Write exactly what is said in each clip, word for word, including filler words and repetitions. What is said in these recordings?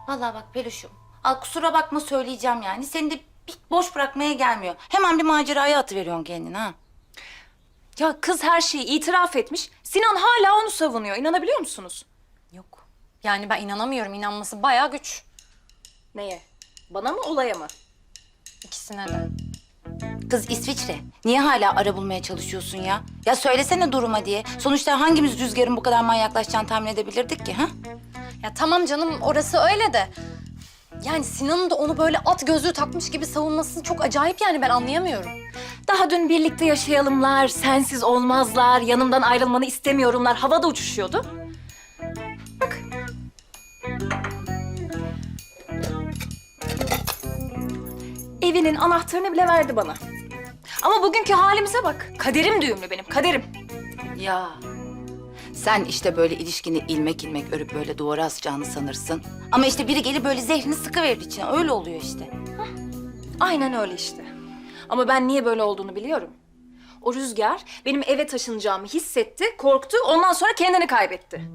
Vallahi bak Peluş'um. Al kusura bakma söyleyeceğim yani. Seni de bir boş bırakmaya gelmiyor. Hemen bir maceraya atıveriyorsun kendini ha. Ya kız her şeyi itiraf etmiş. Sinan hala onu savunuyor. İnanabiliyor musunuz? Yok. Yani ben inanamıyorum. İnanması bayağı güç. Neye? Bana mı, olaya mı? İkisine de. Kız İsviçre. Niye hala ara bulmaya çalışıyorsun ya? Ya söylesene duruma diye. Sonuçta hangimiz Rüzgar'ın bu kadar manyaklaşacağını tahmin edebilirdik ki ha? Ya tamam canım orası öyle de. Yani Sinan'ın da onu böyle at gözlüğü takmış gibi savunması çok acayip yani ben anlayamıyorum. Daha dün birlikte yaşayalımlar, sensiz olmazlar, yanımdan ayrılmanı istemiyorumlar havada uçuşuyordu. Bak. Evinin anahtarını bile verdi bana. Ama bugünkü halimize bak. Kaderim düğümlü benim, kaderim. Ya sen işte böyle ilişkini ilmek ilmek örüp böyle duvara asacağını sanırsın. Ama işte biri gelip böyle zehrini sıkıverir içine. Öyle oluyor işte. Aynen öyle işte. Ama ben niye böyle olduğunu biliyorum. O Rüzgar benim eve taşınacağımı hissetti, korktu, ondan sonra kendini kaybetti.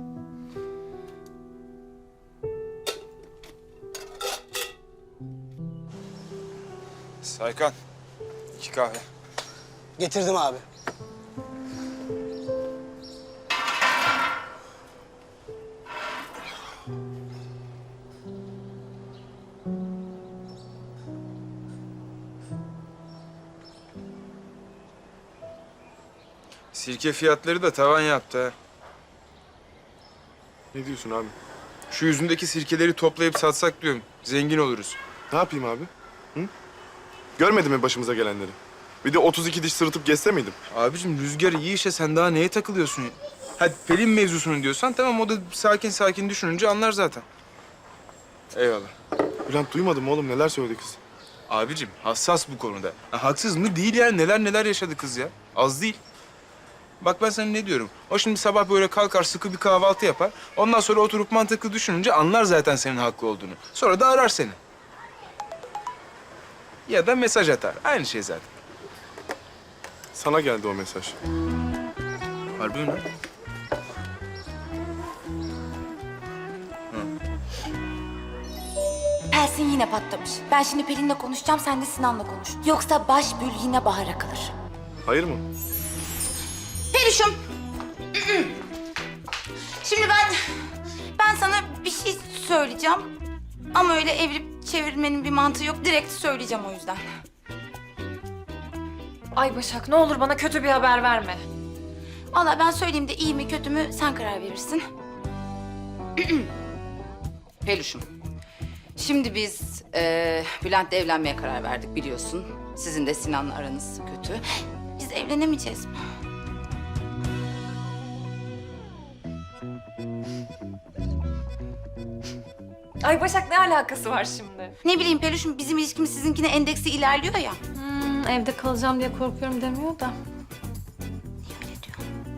Saykan, iki kahve. Getirdim abi. Sirke fiyatları da tavan yaptı ha. Ne diyorsun abi? Şu yüzündeki sirkeleri toplayıp satsak diyorum. Zengin oluruz. Ne yapayım abi? Hı? Görmedin mi başımıza gelenleri? Bir de otuz iki diş sırıtıp geçse miydim? Abicim Rüzgar iyi işe sen daha neye takılıyorsun? Hadi Pelin mevzusunu diyorsan tamam o da sakin sakin düşününce anlar zaten. Eyvallah. Bülent duymadın mı oğlum neler söyledi kız? Abicim hassas bu konuda. Ha, haksız mı? Değil yani neler neler yaşadı kız ya. Az değil. Bak ben sana ne diyorum. O şimdi sabah böyle kalkar sıkı bir kahvaltı yapar. Ondan sonra oturup mantıklı düşününce anlar zaten senin haklı olduğunu. Sonra da arar seni. Ya da mesaj atar. Aynı şey zaten. Sana geldi o mesaj. Harbi mi lan? Pelsin yine patlamış. Ben şimdi Pelin'le konuşacağım, sen de Sinan'la konuş. Yoksa baş bül yine bahara kalır. Hayır mı? Peluş'um. Şimdi ben... Ben sana bir şey söyleyeceğim. Ama öyle evirip çevirmenin bir mantığı yok. Direkt söyleyeceğim o yüzden. Ay Başak ne olur bana kötü bir haber verme. Vallahi ben söyleyeyim de iyi mi kötü mü sen karar verirsin. Peluş'um. Şimdi biz e, Bülent'le evlenmeye karar verdik biliyorsun. Sizin de Sinan'la aranız kötü. Biz evlenemeyeceğiz mi? Ay Başak ne alakası var şimdi? Ne bileyim Peluş'um bizim ilişkimiz sizinkine endeksi ilerliyor ya. Hmm, evde kalacağım diye korkuyorum demiyor da. Öyle diyor.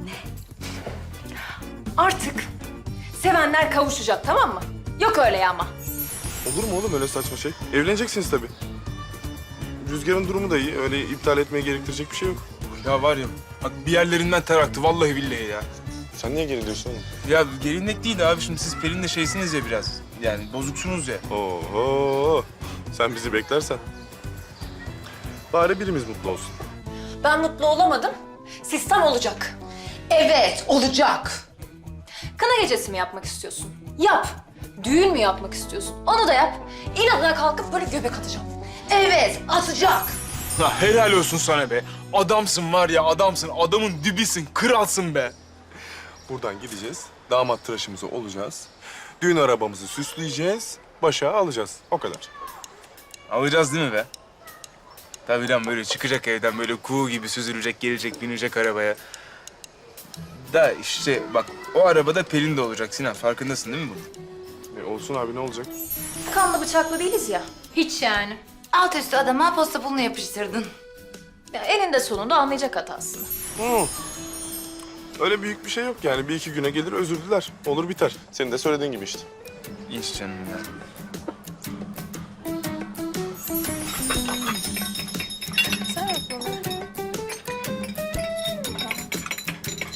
Artık sevenler kavuşacak tamam mı? Yok öyle ya ama. Olur mu oğlum öyle saçma şey? Evleneceksiniz tabii. Rüzgar'ın durumu da iyi. Öyle iptal etmeye gerektirecek bir şey yok. Ya var ya bak bir yerlerinden ter aktı vallahi billahi ya. Sen niye geriliyorsun oğlum? Ya gelinlik değil abi şimdi siz Pelin'le şeysiniz ya biraz. Yani bozuksunuz ya. Oho! Sen bizi beklersen. Bari birimiz mutlu olsun. Ben mutlu olamadım. Sistem olacak. Evet olacak. Kına gecesi mi yapmak istiyorsun? Yap. Düğün mü yapmak istiyorsun? Onu da yap. İnadına kalkıp böyle göbek atacağım. Evet atacak. Ha, helal olsun sana be. Adamsın var ya adamsın. Adamın dibisin. Kralsın be. Buradan gideceğiz. Damat tıraşımızı olacağız. Düğün arabamızı süsleyeceğiz. Başa alacağız. O kadar. Alacağız değil mi be? Tabii lan böyle çıkacak evden böyle kuğu gibi süzülecek, gelecek, binecek arabaya. Da işte bak o arabada Pelin de olacak Sinan. Farkındasın değil mi bunun? E, olsun abi ne olacak? Kanlı bıçaklı değiliz ya. Hiç yani. Alt üstü adama posta pulunu yapıştırdın. Ya eninde sonunda anlayacak hatasını. Hı. Öyle büyük bir şey yok yani. Bir iki güne gelir özür diler. Olur biter. Senin de söylediğin gibi işte. İnş canım ya.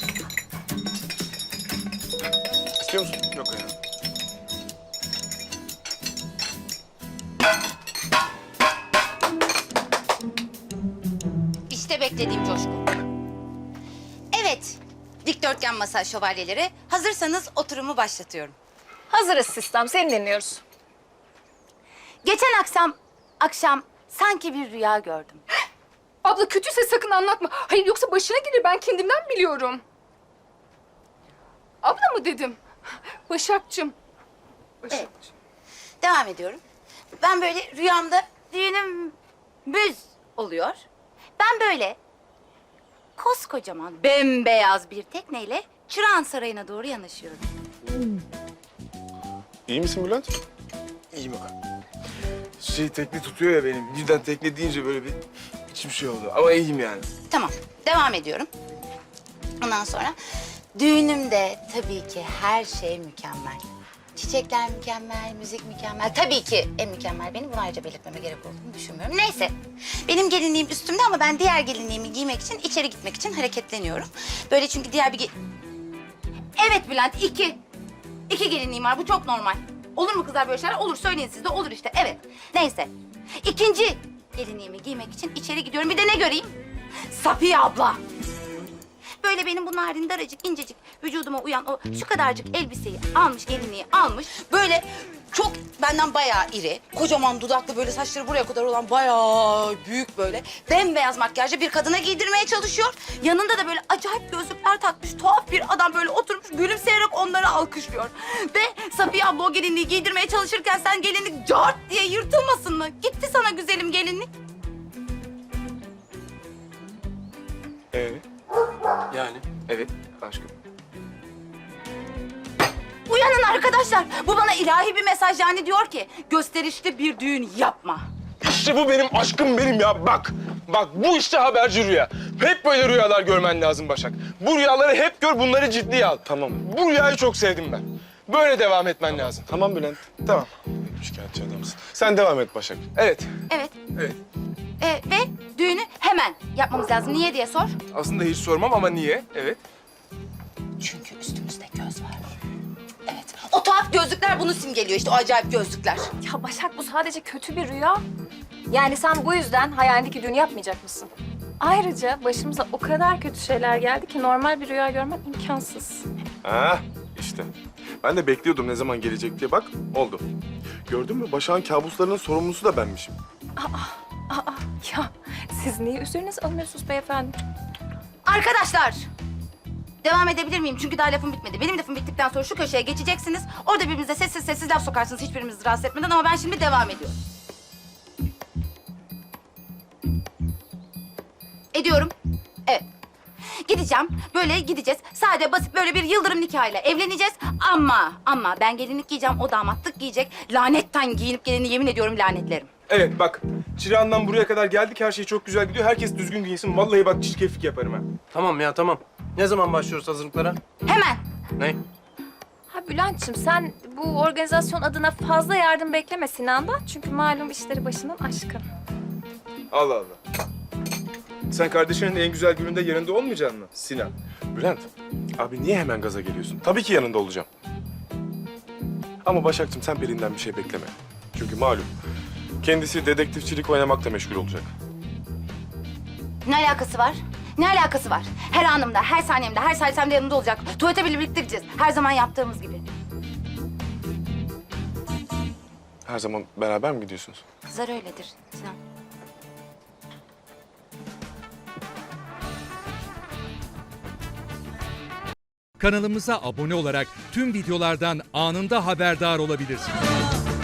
İstiyor musun? Yok ya. beklediğim coşku. Evet, dikdörtgen masa şövalyeleri. Hazırsanız oturumu başlatıyorum. Hazırız sistem, seni dinliyoruz. Geçen akşam, akşam sanki bir rüya gördüm. Abla kötüyse sakın anlatma. Hayır yoksa başına gelir, ben kendimden biliyorum. Abla mı dedim? Başakçım. Başak. Evet. Devam ediyorum. Ben böyle rüyamda düğünüm müz oluyor. Ben böyle koskocaman bembeyaz bir tekneyle Çırağan Sarayı'na doğru yanaşıyorum. İyi misin Bülent? İyiyim bak. Şey tekne tutuyor ya benim. Birden tekne deyince böyle bir içim şey oldu. Ama iyiyim yani. Tamam, devam ediyorum. Ondan sonra düğünümde tabii ki her şey mükemmel. Çiçekler mükemmel, müzik mükemmel. Tabii ki en mükemmel benim. Bunu ayrıca belirtmeme gerek olduğunu düşünmüyorum. Neyse, benim gelinliğim üstümde ama ben diğer gelinliğimi giymek için, içeri gitmek için hareketleniyorum. Böyle çünkü diğer bir... ge- Evet Bülent, iki. İki gelinliğim var, bu çok normal. Olur mu kızlar böyle şeyler? Olur, söyleyin siz de, olur işte, evet. Neyse, ikinci gelinliğimi giymek için içeri gidiyorum. Bir de ne göreyim? Safiye abla. Böyle benim bu narin daracık incecik vücuduma uyan o şu kadarcık elbiseyi almış, gelinliği almış. Böyle çok benden bayağı iri, kocaman dudaklı, böyle saçları buraya kadar olan bayağı büyük böyle bembeyaz makyajlı bir kadına giydirmeye çalışıyor. Yanında da böyle acayip gözlükler takmış tuhaf bir adam böyle oturmuş gülümseyerek onları alkışlıyor. Ve Safiye abla o gelinliği giydirmeye çalışırken sen gelinlik cart diye yırtılmasın mı? Gitti sana güzelim gelinlik. Ee? Yani? Evet aşkım. Uyanın arkadaşlar. Bu bana ilahi bir mesaj, yani diyor ki gösterişli bir düğün yapma. İşte bu benim aşkım benim ya. Bak, bak bu işte haberci rüya. Hep böyle rüyalar görmen lazım Başak. Bu rüyaları hep gör, bunları ciddiye al. Tamam. Bu rüyayı çok sevdim ben. Böyle devam etmen lazım. Tamam Bülent. Tamam. Şikayetçi adamsın. Sen devam et Başak. Evet, Evet. evet. Ee, ve düğünü hemen yapmamız lazım. Niye diye sor. Aslında hiç sormam ama niye? Evet. Çünkü üstümüzde göz var. Evet. O tuhaf gözlükler bunu simgeliyor işte, o acayip gözlükler. Ya Başak, bu sadece kötü bir rüya. Yani sen bu yüzden hayalindeki düğünü yapmayacak mısın? Ayrıca başımıza o kadar kötü şeyler geldi ki normal bir rüya görmek imkansız. Ha işte. Ben de bekliyordum ne zaman gelecek diye. Bak oldu. Gördün mü? Başak'ın kabuslarının sorumlusu da benmişim. Aa, ya siz niye üzerinize alınıyorsunuz beyefendi? Arkadaşlar, devam edebilir miyim? Çünkü daha lafım bitmedi. Benim lafım bittikten sonra şu köşeye geçeceksiniz. Orada birbirinize sessiz sessiz laf sokarsınız hiçbirimizi rahatsız etmeden, ama ben şimdi devam ediyorum. Ediyorum. Evet. Gideceğim, böyle gideceğiz. Sade basit böyle bir yıldırım nikahıyla evleneceğiz. Ama, ama ben gelinlik giyeceğim, o damatlık giyecek. Lanetten giyinip geleni yemin ediyorum lanetlerim. Evet bak, Çırağan'dan buraya kadar geldik. Her şey çok güzel gidiyor. Herkes düzgün giyinsin. Vallahi bak çirkeflik yaparım ha. Tamam ya tamam. Ne zaman başlıyoruz hazırlıklara? Hemen. Ne? Ha Bülent'ciğim, sen bu organizasyon adına fazla yardım bekleme Sinan'dan. Çünkü malum işleri başından aşkın. Allah Allah. Sen kardeşinin en güzel gününde yanında olmayacaksın mı Sinan? Bülent, abi niye hemen gaza geliyorsun? Tabii ki yanında olacağım. Ama Başak'cığım sen Pelin'den bir şey bekleme. Çünkü malum kendisi dedektifçilik oynamakla meşgul olacak. Ne alakası var? Ne alakası var? Her anımda, her saniyemde, her salisemde yanımda olacak. Tuvalete bile birlikte gideceğiz. Her zaman yaptığımız gibi. Her zaman beraber mi gidiyorsunuz? Kızlar öyledir Sinan. Kanalımıza abone olarak tüm videolardan anında haberdar olabilirsiniz.